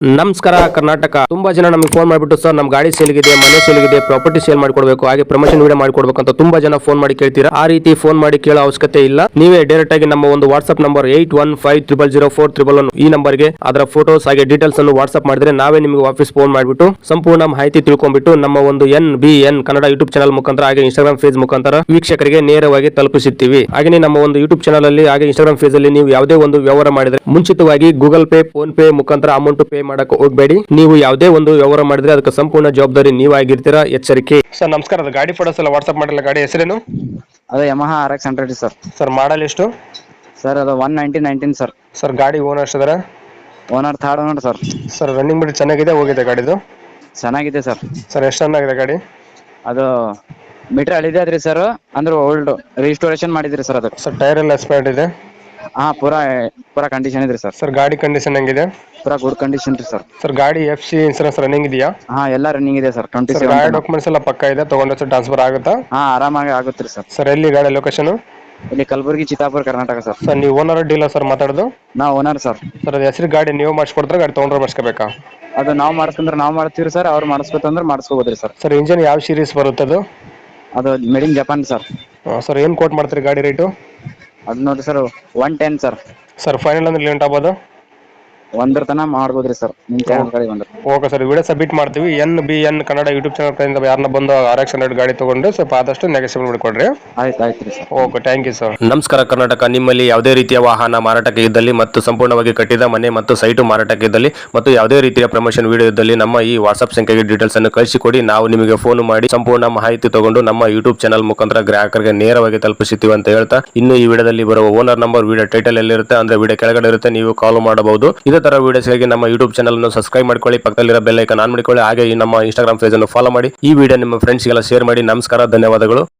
ನಮಸ್ಕಾರ ಕರ್ನಾಟಕ. ತುಂಬಾ ಜನ ನಮಗೆ ಫೋನ್ ಮಾಡಿಬಿಟ್ಟು ಸರ್ ನಮ್ಮ ಗಾಡಿ ಸೇಲ್ಗಿದೆ, ಮನೆ ಸೇಲ್ಗಿದೆ, ಪ್ರಾಪರ್ಟಿ ಸೇಲ್ ಮಾಡಿಕೊಡ್ಬೇಕು, ಹಾಗೆ ಪ್ರಮೋಷನ್ ವಿಡಿಯೋ ಮಾಡಿಕೊಡ್ಬೇಕು ಅಂತ ತುಂಬಾ ಜನ ಫೋನ್ ಮಾಡಿ ಕೇಳ್ತೀರಾ. ಆ ರೀತಿ ಫೋನ್ ಮಾಡಿ ಕೇಳೋ ಅವಶ್ಯಕತೆ ಇಲ್ಲ. ನೀವೇ ಡೈರೆಕ್ಟ್ ಆಗಿ ನಮ್ಮ ಒಂದು ವಾಟ್ಸ್ಆಪ್ ನಂಬರ್ 81500411 ಈ ನಂಬರ್ಗೆ ಅದರ ಫೋಟೋಸ್ ಹಾಗೆ ಡೀಟೇಲ್ಸ್ ಅನ್ನು ವಾಟ್ಸ್ಆಪ್ ಮಾಡಿದ್ರೆ ನಾವೇ ನಿಮಗೆ ವಾಪಸ್ ಫೋನ್ ಮಾಡಿಬಿಟ್ಟು ಸಂಪೂರ್ಣ ಮಾಹಿತಿ ತಿಳ್ಕೊಂಡ್ಬಿಟ್ಟು ನಮ್ಮ ಒಂದು NBN ಕನ್ನಡ ಯೂಟ್ಯೂಬ್ ಚಾನಲ್ ಮುಖಾಂತರ ಹಾಗೆ ಇನ್ಸ್ಟಾಗ್ರಾಮ್ ಪೇಜ್ ಮುಖಾಂತರ ವೀಕ್ಷಕರಿಗೆ ನೇರವಾಗಿ ತಲುಪಿಸುತ್ತೀವಿ. ಹಾಗೆ ನಮ್ಮ ಒಂದು ಯೂಟ್ಯೂಬ್ ಚಾನಲ್ ಅಲ್ಲಿ ಹಾಗೆ ಇನ್ಸ್ಟಾಗ್ರಾಮ್ ಪೇಜ್ ಅಲ್ಲಿ ನೀವು ಯಾವುದೇ ಒಂದು ವ್ಯವಹಾರ ಮಾಡಿದ್ರೆ ಮುಂಚಿತವಾಗಿ ಗೂಗಲ್ ಪೇ, ಫೋನ್ ಪೇ ಮುಖಾಂತರ ಅಮೌಂಟ್ ಪೇ ಮಾಡಕ್ಕೆ ಹೋಗಬೇಡಿ. ನೀವು ಯಾವುದೇ ಒಂದು ವ್ಯವಹಾರ ಮಾಡಿದ್ರೆ ಅದಕ್ಕೆ ಸಂಪೂರ್ಣ ಜವಾಬ್ದಾರಿ ನೀವಾಗಿರ್ತೀರಾ, ಎಚ್ಚರಿಕೆ. ಸರ್ ನಮಸ್ಕಾರ, ಅದು ಗಾಡಿ ಫೋಟೋಸ್ ಎಲ್ಲ ವಾಟ್ಸ್ಆಪ್ ಮಾಡಿಲ್ಲ. ಗಾಡಿ ಹೆಸರೇನು? ಅದು Yamaha RX 100 sir. Sir model ಎಷ್ಟು? ಸರ್ ಅದು 1919 ಸರ್. ಸರ್ ಗಾಡಿ ಓನರ್ ಎಷ್ಟಿದಾರೆ? Owner third owner sir. Sir running ಬಿಡಿ ಚೆನ್ನಾಗಿದೆ, ಹೋಗಿದೆ ಗಾಡಿದು? ಚೆನ್ನಾಗಿದೆ ಸರ್. ಸರ್ ಎಷ್ಟು ರನ್ ಆಗಿದೆ ಗಾಡಿ? ಅದು ಮೀಟರ್ ಹಳಿದೆ ಅದ್ರಿ ಸರ್, ಅಂದ್ರೆ ಓಲ್ಡ್ ರಿಸ್ಟೋರೇಷನ್ ಮಾಡಿದ್ರಿ ಸರ್ ಅದಕ್ಕೆ. ಸರ್ ಟೈರ್ ಎಲ್ಲ ಎಕ್ಸ್ಪೈರ್ಡ್ ಇದೆ? ಹಾ, ಪೂರಾ ಕಂಡೀಷನ್ ಇದ್ರಿ ಸರ್. ಸರ್ ಗಾಡಿ ಕಂಡೀಷನ್ ಹೆಂಗಿದೆ? ಪೂರಾ ಗುಡ್ ಕಂಡೀಷನ್ ರೀ ಸರ್. ಸರ್ ಗಾಡಿ FC ಇನ್ಸೂರೆನ್ಸ್ ರನ್ನಿಂಗ್ ಇದೆಯಾ? ಹಾ, ಎಲ್ಲ ರನ್ನಿಂಗ್ ಇದೆ ಸರ್. ಗಾಡಿ 27 ಡಾಕ್ಯುಮೆಂಟ್ಸ್ ಎಲ್ಲ ಪಕ್ಕ ಇದೆ, ತಗೊಂಡ್ರೆ ಟ್ರಾನ್ಸ್ಫರ್ ಆಗುತ್ತಾ? ಹಾ, ಆರಾಮಾಗಿ ಆಗುತ್ತೆ ಸರ್. ಸರ್ ಎಲ್ಲಿ ಗಾಡಿ ಲೊಕೇಶನ್? ಇಲ್ಲಿ ಕಲಬುರಗಿ, ಚಿತ್ತಾಪುರ, ಕರ್ನಾಟಕ ಸರ್. ಸರ್ ನೀವು ಓನರ್ ಡೀಲರ್ ಸರ್ ಮಾತಾಡೋದು? ನಾವು ಓನರ್ ಸರ್. ಸರ್ ಅದು ಹೆಸರು ಗಾಡಿ ನೀವು ಮಾಡಿಸ್ಕೊಡ್ತಾರೆ, ಗಾಡಿ ತೊಗೊಂಡ್ರೆ ಮಾಡಿಸ್ಕೋಬೇಕಾ? ಅದು ನಾವು ಮಾಡಿಸ್ಕೊಂಡ್ರೆ ನಾವು ಮಾಡ್ತೀವಿ ಸರ್, ಅವ್ರು ಮಾಡಿಸ್ಬೇಕಂದ್ರೆ ಮಾಡಿಸ್ಕೋಬೋದ್ರಿ ಸರ್. ಸರ್ ಇಂಜಿನ್ ಯಾವ ಸೀರೀಸ್ ಬರುತ್ತೆ ಅದು? ಅದು made in Japan sir. Sir ಏನು ಕೋಟ್ ಮಾಡ್ತೀರಿ ಗಾಡಿ ರೇಟು? ಅದು ನೋಡ್ರಿ ಸರ್ 110 ಸರ್. ಸರ್ ಫೈನಲ್ ಅಂದ್ರೆ ಲೇಟ್ ಆಗ್ಬೋದು? 1 ತನ ಮಾಡ್ಬೋದ್ರಿ ಸರ್, ನಿಮ್ ಚಾನಲ್ ಕಡೆ ಬಂದ್ರೆ. ಓಕೆ ಸರ್, ವಿಡಿಯೋ ಸಬ್ಮಿಟ್ ಮಾಡ್ತೀವಿ. NBN ಕನ್ನಡ ಯೂಟ್ಯೂಬ್ ಚಾನಲ್ ಕಡೆಯಿಂದ ಯಾರನ್ನ ಬಂದು RX 100 ಗಾಡಿ ತಗೊಂಡು ಸ್ವಲ್ಪ ಆದಷ್ಟು ನೆಗೆಸಿಬಲ್ ಮಾಡಿಕೊಡ್ರಿ. ಆಯ್ತು sir. Okay, thank you sir. ನಮಸ್ಕಾರ ಕರ್ನಾಟಕ. ನಿಮ್ಮಲ್ಲಿ ಯಾವುದೇ ರೀತಿಯ ವಾಹನ ಮಾರಾಟಕ್ಕೆ ಇದ್ದಲ್ಲಿ ಮತ್ತು ಸಂಪೂರ್ಣವಾಗಿ ಕಟ್ಟಿದ ಮನೆ ಮತ್ತು ಸೈಟು ಮಾರಾಟಕ್ಕೆ ಇದ್ದಲ್ಲಿ ಮತ್ತು ಯಾವುದೇ ರೀತಿಯ ಪ್ರಮೋಷನ್ ವಿಡಿಯೋ ಇದ್ದಲ್ಲಿ ನಮ್ಮ ಈ ವಾಟ್ಸ್ಆಪ್ ಸಂಖ್ಯೆಗೆ ಡೀಟೇಲ್ಸ್ ಅನ್ನು ಕಳಿಸಿಕೊಡಿ. ನಾವು ನಿಮಗೆ ಫೋನ್ ಮಾಡಿ ಸಂಪೂರ್ಣ ಮಾಹಿತಿ ತಗೊಂಡು ನಮ್ಮ ಯೂಟ್ಯೂಬ್ ಚಾನಲ್ ಮುಖಾಂತರ ಗ್ರಾಹಕರಿಗೆ ನೇರವಾಗಿ ತಲುಪಿಸುತ್ತೀವಿ ಅಂತ ಹೇಳ್ತಾ, ಇನ್ನು ಈ ವಿಡಿಯೋದಲ್ಲಿ ಬರುವ ಓನರ್ ನಂಬರ್ ವಿಡಿಯೋ ಟೈಟಲ್ ಎಲ್ಲಿರುತ್ತೆ ಅಂದ್ರೆ ವಿಡಿಯೋ ಕೆಳಗಡೆ ಇರುತ್ತೆ, ನೀವು ಕಾಲ್ ಮಾಡಬಹುದು. ಇದೇ ತರ ವಿಡಿಯೋಸ್ಗಾಗಿ ನಮ್ಮ ಯೂಟ್ಯೂಬ್ ಚಾನಲ್ ಅನ್ನು ಸಬ್ಸ್ಕ್ರೈಬ್ ಮಾಡ್ಕೊಳ್ಳಿ, ಪಕ್ಕದಲ್ಲಿರೋ ಬೆಲ್ ಐಕಾನ್ ಆನ್ ಮಾಡಿಕೊಳ್ಳಿ, ಹಾಗೆ ಈ ನಮ್ಮ ಇನ್ಸ್ಟಾಗ್ರಾಮ್ ಪೇಜ್ ಅನ್ನು ಫಾಲೋ ಮಾಡಿ. ಈ ವಿಡಿಯೋ ನಿಮ್ಮ ಫ್ರೆಂಡ್ಸ್ಗೆಲ್ಲ ಶೇರ್ ಮಾಡಿ. ನಮಸ್ಕಾರ, ಧನ್ಯವಾದಗಳು.